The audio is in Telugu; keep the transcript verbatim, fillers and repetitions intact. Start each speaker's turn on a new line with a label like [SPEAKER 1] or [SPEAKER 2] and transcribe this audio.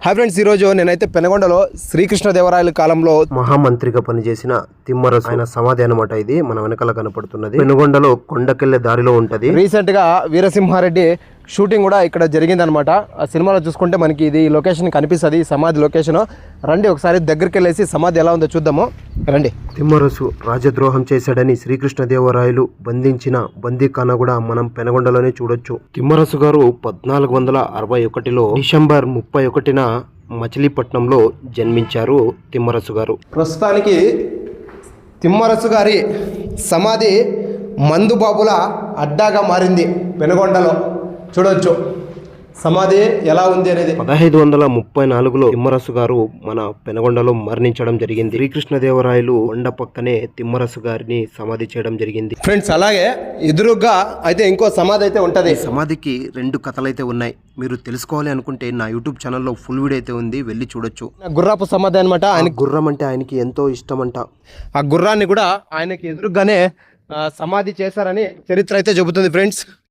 [SPEAKER 1] హాయ్ ఫ్రెండ్స్, ఈరోజు నేనైతే పెనగొండలో శ్రీకృష్ణదేవరాయల కాలంలో
[SPEAKER 2] మహామంత్రిగా పనిచేసిన తిమ్మరసు ఆయన సమాధి అనమాట. ఇది మన వెనకాల కనపడుతున్నది. పెనుగొండలో కొండకెళ్లే దారిలో ఉంటది.
[SPEAKER 1] రీసెంట్ గా వీరసింహారెడ్డి షూటింగ్ కూడా ఇక్కడ జరిగిందనమాట. ఆ సినిమాలో చూసుకుంటే మనకి ఇది లొకేషన్ కనిపిస్తుంది, సమాధి లొకేషన్. రండి ఒకసారి దగ్గరికి వెళ్ళేసి సమాధి ఎలా ఉందో చూద్దాము. రండి.
[SPEAKER 2] తిమ్మరసు రాజద్రోహం చేశాడని శ్రీకృష్ణదేవరాయలు బంధించిన బందీఖానా కూడా మనం పెనగొండలోనే చూడొచ్చు. తిమ్మరసు గారు పద్నాలుగు వందల అరవై ఒకటిలో డిసెంబర్ ముప్పై ఒకటిన మచిలీపట్నంలో జన్మించారు తిమ్మరసు గారు.
[SPEAKER 1] ప్రస్తుతానికి తిమ్మరసు గారి సమాధి మందుబాబుల అడ్డాగా మారింది. పెనుగొండలో చూడొచ్చు సమాధి ఎలా ఉంది అనేది.
[SPEAKER 2] పదహైదు వందల ముప్పై నాలుగులో తిమ్మరసు గారు మన పెనగొండలో మరణించడం జరిగింది. శ్రీకృష్ణదేవరాయలు కొండ పక్కనే తిమ్మరసు గారిని సమాధి చేయడం జరిగింది.
[SPEAKER 1] ఫ్రెండ్స్, అలాగే ఎదురుగా అయితే ఇంకో సమాధి అయితే ఉంటది.
[SPEAKER 2] సమాధికి రెండు కథలు అయితే ఉన్నాయి. మీరు తెలుసుకోవాలి అనుకుంటే నా యూట్యూబ్ ఛానల్లో ఫుల్ వీడియో అయితే ఉంది, వెళ్ళి చూడొచ్చు.
[SPEAKER 1] గుర్రాపు సమాధి అనమాట. ఆయన
[SPEAKER 2] గుర్రం అంటే ఆయనకి ఎంతో ఇష్టం అంట.
[SPEAKER 1] ఆ గుర్రాన్ని కూడా ఆయనకి ఎదురుగానే సమాధి చేశారని చరిత్ర అయితే చెబుతుంది. ఫ్రెండ్స్,